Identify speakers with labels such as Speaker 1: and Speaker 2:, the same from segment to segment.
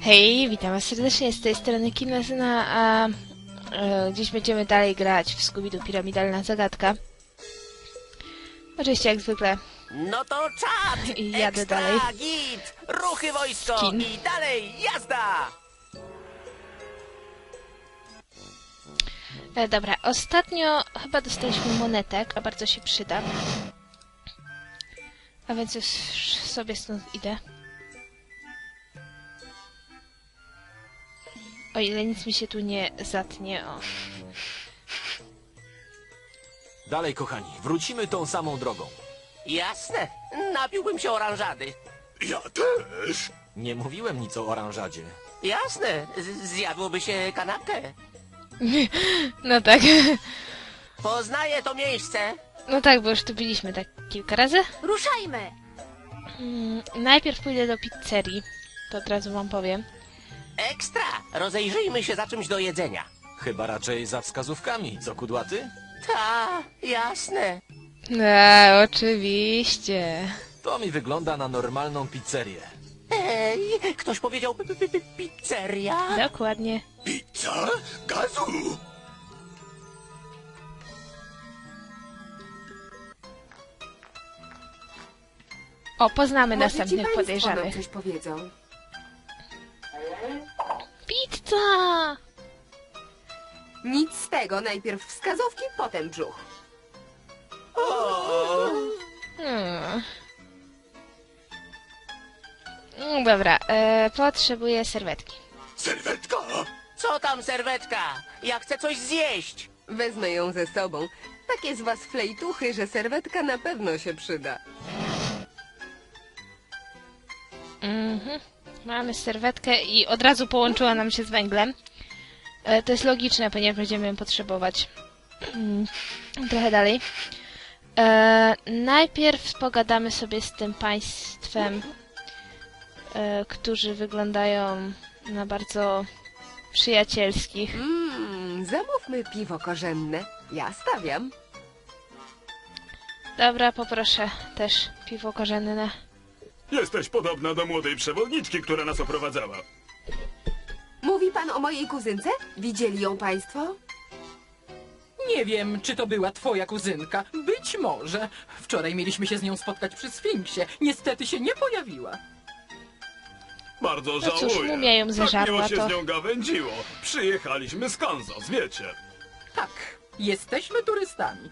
Speaker 1: Hej, witam was serdecznie, z tej strony Kinezyna, a dziś będziemy dalej grać w Scooby-Doo Piramidalna Zagadka. Oczywiście jak zwykle.
Speaker 2: No to czad!
Speaker 1: I jadę
Speaker 2: Ekstra,
Speaker 1: dalej.
Speaker 2: Git! Ruchy wojsko!
Speaker 1: Skin.
Speaker 2: I dalej, jazda!
Speaker 1: Dobra, ostatnio chyba dostaliśmy monetek, a bardzo się przyda. A więc już sobie stąd idę. O ile nic mi się tu nie zatnie, o.
Speaker 3: Dalej, kochani, wrócimy tą samą drogą.
Speaker 2: Jasne, napiłbym się oranżady.
Speaker 4: Ja też.
Speaker 3: Nie mówiłem nic o oranżadzie.
Speaker 2: Jasne, zjadłoby się kanapkę.
Speaker 1: No tak.
Speaker 2: Poznaję to miejsce.
Speaker 1: No tak, bo już tu byliśmy tak kilka razy.
Speaker 5: Ruszajmy!
Speaker 1: Najpierw pójdę do pizzerii. To od razu wam powiem.
Speaker 2: Ekstra, rozejrzyjmy się za czymś do jedzenia.
Speaker 3: Chyba raczej za wskazówkami, co kudłaty?
Speaker 2: Ta, jasne.
Speaker 1: Oczywiście.
Speaker 3: To mi wygląda na normalną pizzerię.
Speaker 2: Ej, ktoś powiedział pizzeria?
Speaker 1: Dokładnie.
Speaker 4: Pizza? Gazu!
Speaker 1: O, poznamy
Speaker 5: Może ci
Speaker 1: następnych
Speaker 5: państwo
Speaker 1: podejrzanych.
Speaker 5: nam coś powiedzą.
Speaker 1: Pizza!
Speaker 5: Nic z tego, najpierw wskazówki, potem brzuch.
Speaker 1: Hmm. Dobra, potrzebuję serwetki.
Speaker 4: Serwetka?
Speaker 2: Co tam, serwetka? Ja chcę coś zjeść.
Speaker 5: Wezmę ją ze sobą. Takie z was flejtuchy, że serwetka na pewno się przyda.
Speaker 1: Mamy serwetkę i od razu połączyła nam się z węglem. To jest logiczne, ponieważ będziemy ją potrzebować. Trochę dalej. Najpierw pogadamy sobie z tym państwem, którzy wyglądają na bardzo przyjacielskich.
Speaker 5: Zamówmy piwo korzenne. Ja stawiam.
Speaker 1: Dobra, poproszę też piwo korzenne.
Speaker 4: Jesteś podobna do młodej przewodniczki, która nas oprowadzała.
Speaker 5: Mówi pan o mojej kuzynce? Widzieli ją państwo?
Speaker 6: Nie wiem, czy to była twoja kuzynka. Być może. Wczoraj mieliśmy się z nią spotkać przy Sfinksie. Niestety się nie pojawiła.
Speaker 4: Bardzo
Speaker 1: No
Speaker 4: żałuję.
Speaker 1: cóż, mumia ją
Speaker 4: Tak
Speaker 1: zeżarła,
Speaker 4: miło się
Speaker 1: to-
Speaker 4: z nią gawędziło. Przyjechaliśmy z Kansas, wiecie.
Speaker 6: Tak, jesteśmy turystami.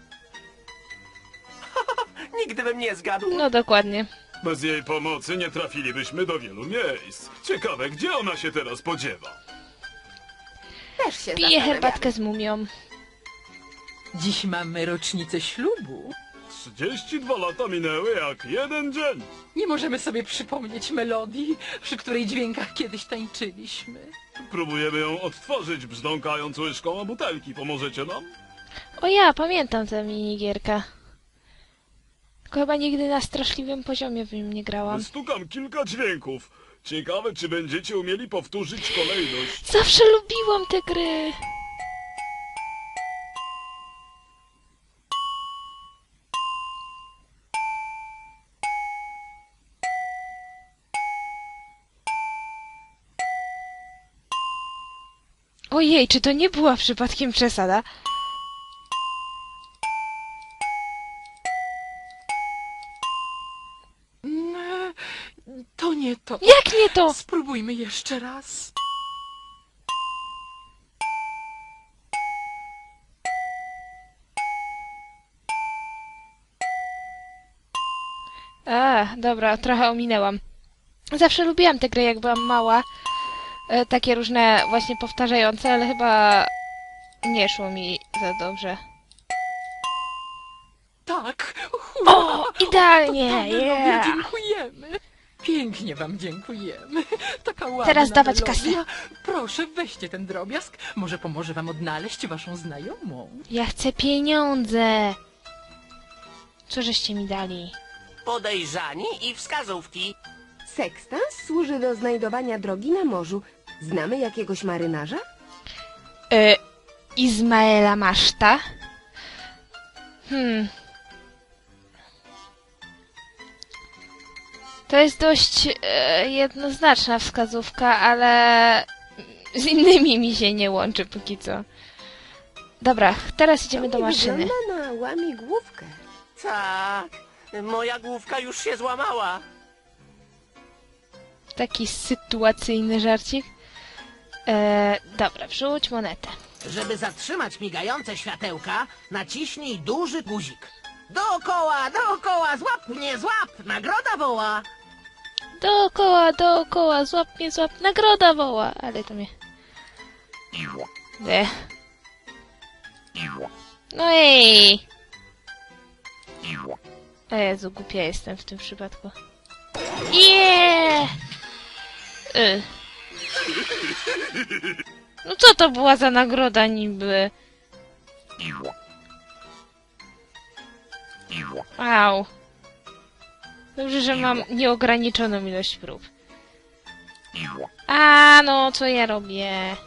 Speaker 2: Nigdy bym nie zgadł.
Speaker 1: No dokładnie.
Speaker 4: Bez jej pomocy nie trafilibyśmy do wielu miejsc. Ciekawe, gdzie ona się teraz podziewa.
Speaker 5: Też się
Speaker 1: Piję
Speaker 5: zastanawiamy.
Speaker 1: herbatkę z mumią.
Speaker 6: Dziś mamy rocznicę ślubu.
Speaker 4: 32 lata minęły jak jeden dzień.
Speaker 6: Nie możemy sobie przypomnieć melodii, przy której dźwiękach kiedyś tańczyliśmy.
Speaker 4: Próbujemy ją odtworzyć, brzdąkając łyżką o butelki. Pomożecie nam?
Speaker 1: O ja, pamiętam tę minigierkę. Tylko chyba nigdy na straszliwym poziomie w nim nie grałam.
Speaker 4: Stukam kilka dźwięków. Ciekawe, czy będziecie umieli powtórzyć kolejność.
Speaker 1: Zawsze lubiłam te gry. Ojej, czy to nie była przypadkiem przesada?
Speaker 6: To nie to.
Speaker 1: Jak nie to?
Speaker 6: Spróbujmy jeszcze raz.
Speaker 1: Dobra, trochę ominęłam. Zawsze lubiłam te gry, jak byłam mała. Takie różne właśnie powtarzające, ale chyba nie szło mi za dobrze.
Speaker 6: Tak, hurra!
Speaker 1: O, idealnie,
Speaker 6: Panowie,
Speaker 1: yeah!
Speaker 6: dziękujemy. Pięknie wam dziękujemy. Taka ładna
Speaker 1: Teraz dawać
Speaker 6: melodia.
Speaker 1: kasę.
Speaker 6: Proszę, weźcie ten drobiazg. Może pomoże wam odnaleźć waszą znajomą.
Speaker 1: Ja chcę pieniądze! Co żeście mi dali?
Speaker 2: Podejrzani i wskazówki.
Speaker 5: Sekstans służy do znajdowania drogi na morzu. Znamy jakiegoś marynarza?
Speaker 1: Izmaela Maszta? To jest dość jednoznaczna wskazówka, ale z innymi mi się nie łączy póki co. Dobra, teraz idziemy do
Speaker 5: To nie
Speaker 1: maszyny.
Speaker 5: wygląda na łamigłówkę.
Speaker 2: Tak, moja główka już się złamała.
Speaker 1: Taki sytuacyjny żarcik. Dobra, wrzuć monetę.
Speaker 7: Żeby zatrzymać migające światełka, naciśnij duży guzik. Dookoła, dookoła, złap mnie, złap! Nagroda woła!
Speaker 1: Dookoła, dookoła, złap mnie, złap, nagroda woła. Ale to mnie... No ej! O Jezu, głupia jestem w tym przypadku. No co to była za nagroda niby? Au. Dobrze, że mam nieograniczoną ilość prób. A no, co ja robię?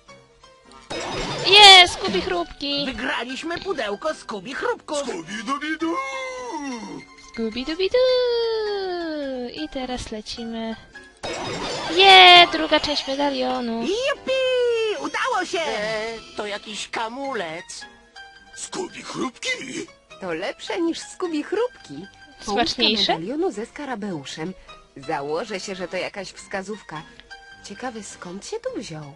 Speaker 1: Jest, Skubi chrupki!
Speaker 7: Wygraliśmy pudełko Skubi chrupków!
Speaker 4: Skubidubidu!
Speaker 1: Skubi-dubi-du! I teraz lecimy. Druga część medalionu.
Speaker 7: Jupi! Udało się!
Speaker 2: To jakiś kamulec.
Speaker 4: Skubi chrupki!
Speaker 5: To lepsze niż Skubi chrupki. Połówka
Speaker 1: Smaczniejsze?
Speaker 5: medalionu ze skarabeuszem. Założę się, że to jakaś wskazówka. Ciekawy, skąd się tu wziął?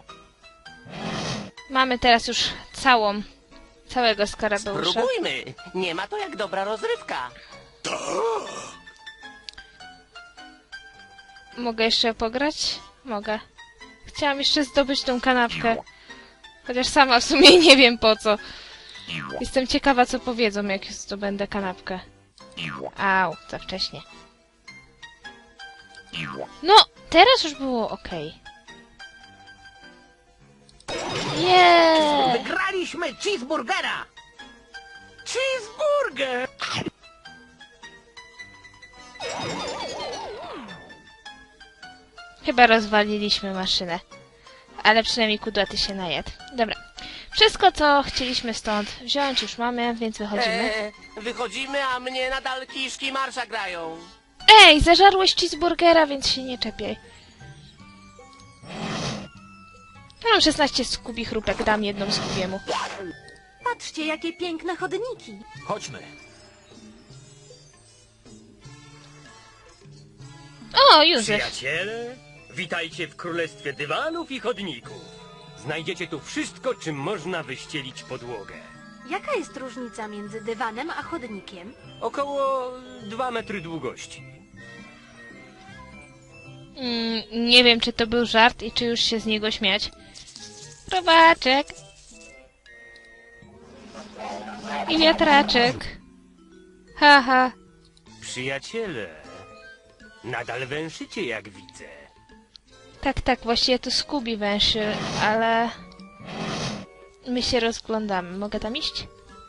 Speaker 1: Mamy teraz już całego skarabeusza.
Speaker 2: Spróbujmy. Nie ma to jak dobra rozrywka.
Speaker 1: Mogę jeszcze pograć? Mogę. Chciałam jeszcze zdobyć tą kanapkę. Chociaż sama w sumie nie wiem po co. Jestem ciekawa, co powiedzą, jak zdobędę kanapkę. Au, za wcześnie. No, teraz już było okej.
Speaker 7: Wygraliśmy cheeseburgera!
Speaker 2: Cheeseburger!
Speaker 1: Chyba rozwaliliśmy maszynę. Ale przynajmniej kudłaty się najadł. Dobra. Wszystko, co chcieliśmy stąd wziąć, już mamy, więc wychodzimy.
Speaker 2: Wychodzimy, a mnie nadal kiszki marsza grają.
Speaker 1: Ej, zażarłeś cheeseburgera, więc się nie czepiaj. Ja mam 16 Skubi chrupek, dam jedną Skubiemu.
Speaker 8: Patrzcie, jakie piękne chodniki.
Speaker 3: Chodźmy.
Speaker 1: O, Józef.
Speaker 9: Przyjaciele, witajcie w królestwie dywanów i chodników. Znajdziecie tu wszystko, czym można wyścielić podłogę.
Speaker 8: Jaka jest różnica między dywanem a chodnikiem?
Speaker 9: Około 2 metry długości.
Speaker 1: Nie wiem, czy to był żart i czy już się z niego śmiać. Robaczek. I wiatraczek. Haha.
Speaker 9: Przyjaciele, nadal węszycie, jak widzę.
Speaker 1: Tak, właściwie to Skubi węszy, ale... My się rozglądamy. Mogę tam iść?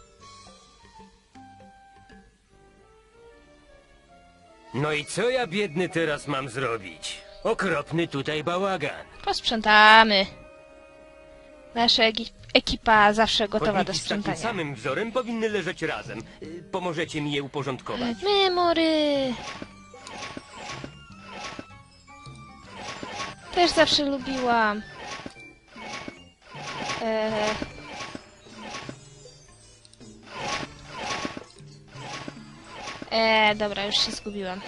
Speaker 9: No i co ja, biedny, teraz mam zrobić? Okropny tutaj bałagan.
Speaker 1: Posprzątamy. Nasza ekipa zawsze gotowa do
Speaker 9: Chodniki z takim
Speaker 1: sprzątania.
Speaker 9: samym wzorem powinny leżeć razem. Pomożecie mi je uporządkować?
Speaker 1: Memory! Też zawsze lubiłam. Dobra, już się zgubiłam.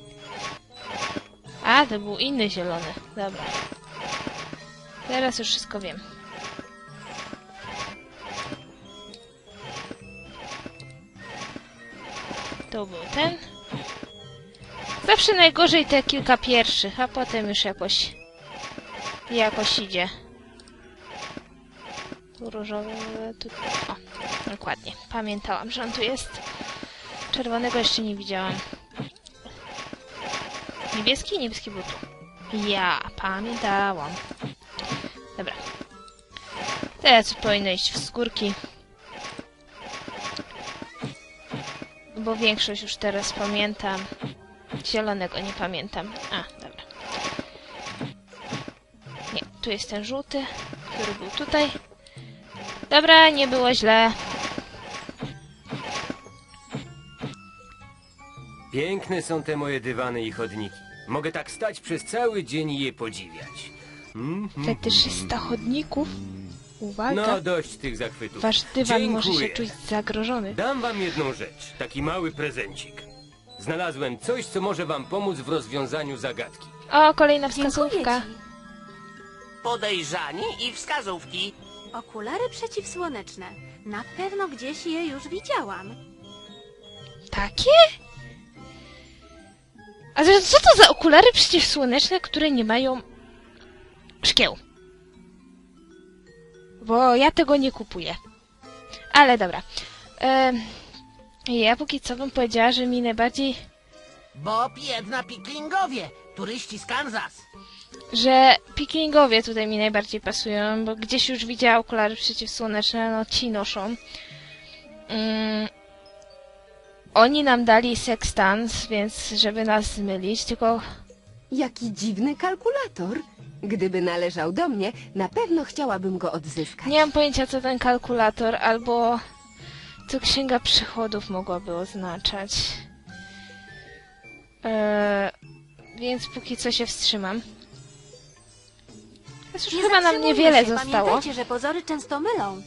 Speaker 1: A, to był inny zielony. Dobra. Teraz już wszystko wiem. To był ten. Zawsze najgorzej te kilka pierwszych, a potem już jakoś idzie. Tu różowy, tu... O, dokładnie. Pamiętałam, że on tu jest. Czerwonego jeszcze nie widziałam. Niebieski? Niebieski był tu. Ja pamiętałam. Dobra. Teraz powinno iść w skórki. Bo większość już teraz pamiętam. Zielonego nie pamiętam. A, dobra. Nie, tu jest ten żółty, który był tutaj. Dobra, nie było źle.
Speaker 9: Piękne są te moje dywany i chodniki. Mogę tak stać przez cały dzień i je podziwiać.
Speaker 1: Fetyszysta chodników? Uwaga,
Speaker 9: No, dość tych zachwytów.
Speaker 1: wasz dywan może się
Speaker 9: Dziękuję.
Speaker 1: czuć zagrożony.
Speaker 9: Dam wam jedną rzecz, taki mały prezencik. Znalazłem coś, co może wam pomóc w rozwiązaniu zagadki.
Speaker 1: O, kolejna
Speaker 8: Dziękuję
Speaker 1: wskazówka.
Speaker 8: ci.
Speaker 2: Podejrzani i wskazówki.
Speaker 8: Okulary przeciwsłoneczne. Na pewno gdzieś je już widziałam.
Speaker 1: Takie? A zaraz, co to za okulary przeciwsłoneczne, które nie mają szkieł? Bo ja tego nie kupuję. Ale dobra. Ja póki co bym powiedziała, że mi najbardziej...
Speaker 7: Bob jedna piklingowie, turyści z Kansas.
Speaker 1: Że pikingowie tutaj mi najbardziej pasują, bo gdzieś już widziała okulary przeciwsłoneczne, no ci noszą. Oni nam dali sekstans, więc żeby nas zmylić, tylko...
Speaker 5: Jaki dziwny kalkulator. Gdyby należał do mnie, na pewno chciałabym go odzyskać.
Speaker 1: Nie mam pojęcia, co ten kalkulator, albo co księga przychodów mogłaby oznaczać. Więc póki co się wstrzymam. Teraz już
Speaker 8: Nie
Speaker 1: chyba nam
Speaker 8: zatrzymujmy
Speaker 1: niewiele
Speaker 8: się.
Speaker 1: zostało.
Speaker 8: Pamiętajcie, że pozory często mylą.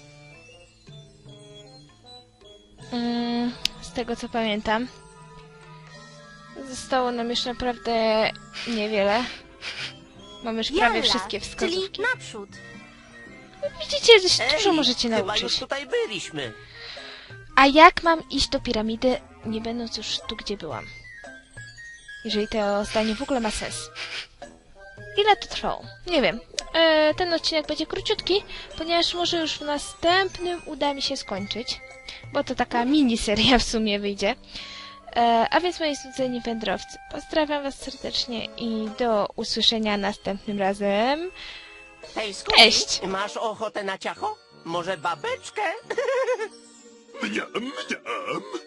Speaker 1: Z tego co pamiętam. Zostało nam już naprawdę niewiele. Mamy już prawie
Speaker 8: Jalla,
Speaker 1: wszystkie wskazówki.
Speaker 8: czyli naprzód.
Speaker 1: Widzicie, że się dużo
Speaker 2: Ej,
Speaker 1: możecie
Speaker 2: chyba
Speaker 1: nauczyć.
Speaker 2: już tutaj byliśmy.
Speaker 1: A jak mam iść do piramidy, nie będąc już tu, gdzie byłam? Jeżeli to zdanie w ogóle ma sens. Ile to trwało? Nie wiem. Ten odcinek będzie króciutki, ponieważ może już w następnym uda mi się skończyć. Bo to taka miniseria w sumie wyjdzie. A więc moi znudzeni wędrowcy, pozdrawiam was serdecznie i do usłyszenia następnym razem.
Speaker 2: Hej, Scooby,
Speaker 1: Cześć.
Speaker 2: masz ochotę na ciacho? Może babeczkę?
Speaker 4: Mniam, mniam.